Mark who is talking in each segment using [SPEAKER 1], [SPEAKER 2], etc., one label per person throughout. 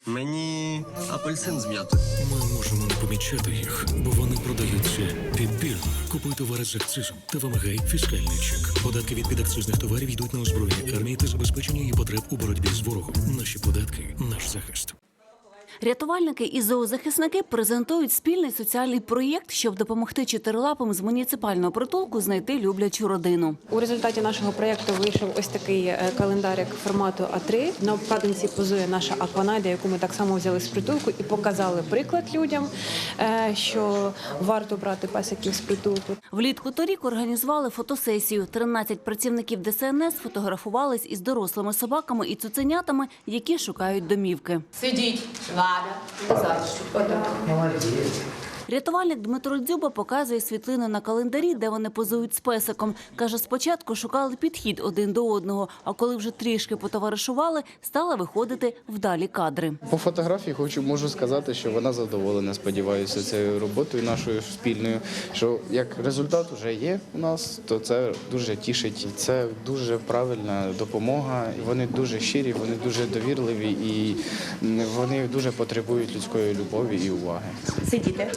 [SPEAKER 1] Мені апельсин з м'ятою.
[SPEAKER 2] Ми можемо не помічати їх, бо вони продаються підбірно. Купуй товари з акцизом та вимагай фіскальний чек. Податки від підакцизних товарів йдуть на озброєння армії та забезпечення її потреб у боротьбі з ворогом. Наші податки – наш захист.
[SPEAKER 3] Рятувальники і зоозахисники презентують спільний соціальний проєкт, щоб допомогти чотирилапим з муніципального притулку знайти люблячу родину.
[SPEAKER 4] У результаті нашого проєкту вийшов ось такий календарик формату А3. На обкладинці позує наша Акванайда, яку ми так само взяли з притулку і показали приклад людям, що варто брати песиків з притулку.
[SPEAKER 3] Влітку торік організували фотосесію. 13 працівників ДСНС фотографувались із дорослими собаками і цуценятами, які шукають домівки.
[SPEAKER 5] Сидіть, Влада, назад. Отак.
[SPEAKER 3] Рятувальник Дмитро Дзюба показує світлини на календарі, де вони позують з песиком. Каже, спочатку шукали підхід один до одного, а коли вже трішки потоваришували, стали виходити вдалі кадри.
[SPEAKER 6] По фотографії можу сказати, що вона задоволена, сподіваюся, цією роботою нашою спільною, що як результат вже є у нас, то це дуже тішить. Це дуже правильна допомога, вони дуже щирі, вони дуже довірливі і вони дуже потребують людської любові і уваги.
[SPEAKER 5] Сидіти.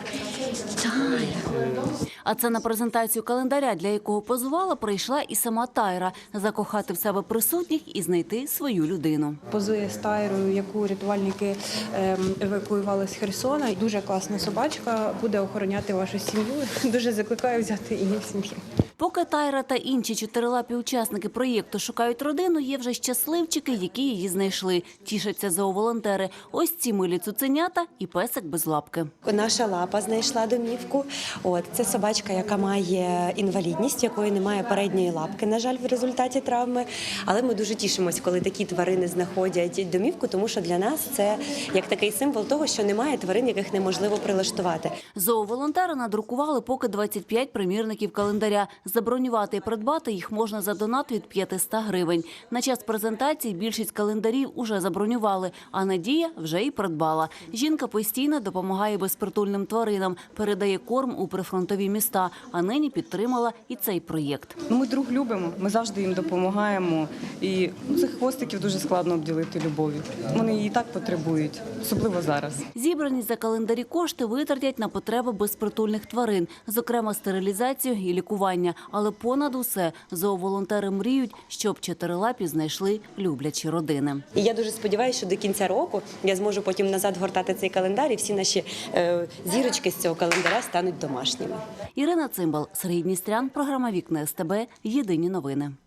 [SPEAKER 3] А це на презентацію календаря, для якого позувала, прийшла і сама Тайра – закохати в себе присутніх і знайти свою людину.
[SPEAKER 4] Позує з Тайрою, яку рятувальники евакуювали з Херсона. Дуже класна собачка, буде охороняти вашу сім'ю. Дуже закликаю взяти її в сім'ю.
[SPEAKER 3] Поки Тайра та інші чотирилапі учасники проєкту шукають родину, є вже щасливчики, які її знайшли. Тішаться зооволонтери. Ось ці милі цуценята і песик без лапки.
[SPEAKER 7] Наша лапа знайшла домівку. Це собачка, яка має інвалідність, якої немає передньої лапки, на жаль, в результаті травми. Але ми дуже тішимося, коли такі тварини знаходять домівку, тому що для нас це як такий символ того, що немає тварин, яких неможливо прилаштувати.
[SPEAKER 3] Зооволонтери надрукували поки 25 примірників календаря. Забронювати і придбати їх можна за донат від 500 гривень. На час презентації більшість календарів уже забронювали, а Надія вже і придбала. Жінка постійно допомагає безпритульним тваринам, передає корм у прифронтові міста, а нині підтримала і цей проєкт.
[SPEAKER 8] Ми друг любимо, ми завжди їм допомагаємо. І цих хвостиків дуже складно обділити любов'ю. Вони її так потребують, особливо зараз.
[SPEAKER 3] Зібрані за календарі кошти витратять на потреби безпритульних тварин, зокрема стерилізацію і лікування. Але понад усе зооволонтери мріють, щоб чотирилапі знайшли люблячі родини.
[SPEAKER 7] І я дуже сподіваюся, що до кінця року я зможу потім назад гортати цей календар, і всі наші зірочки з цього календаря стануть домашніми.
[SPEAKER 3] Ірина Цимбал, Сергій Дністрян, програма «Вікна СТБ», єдині новини.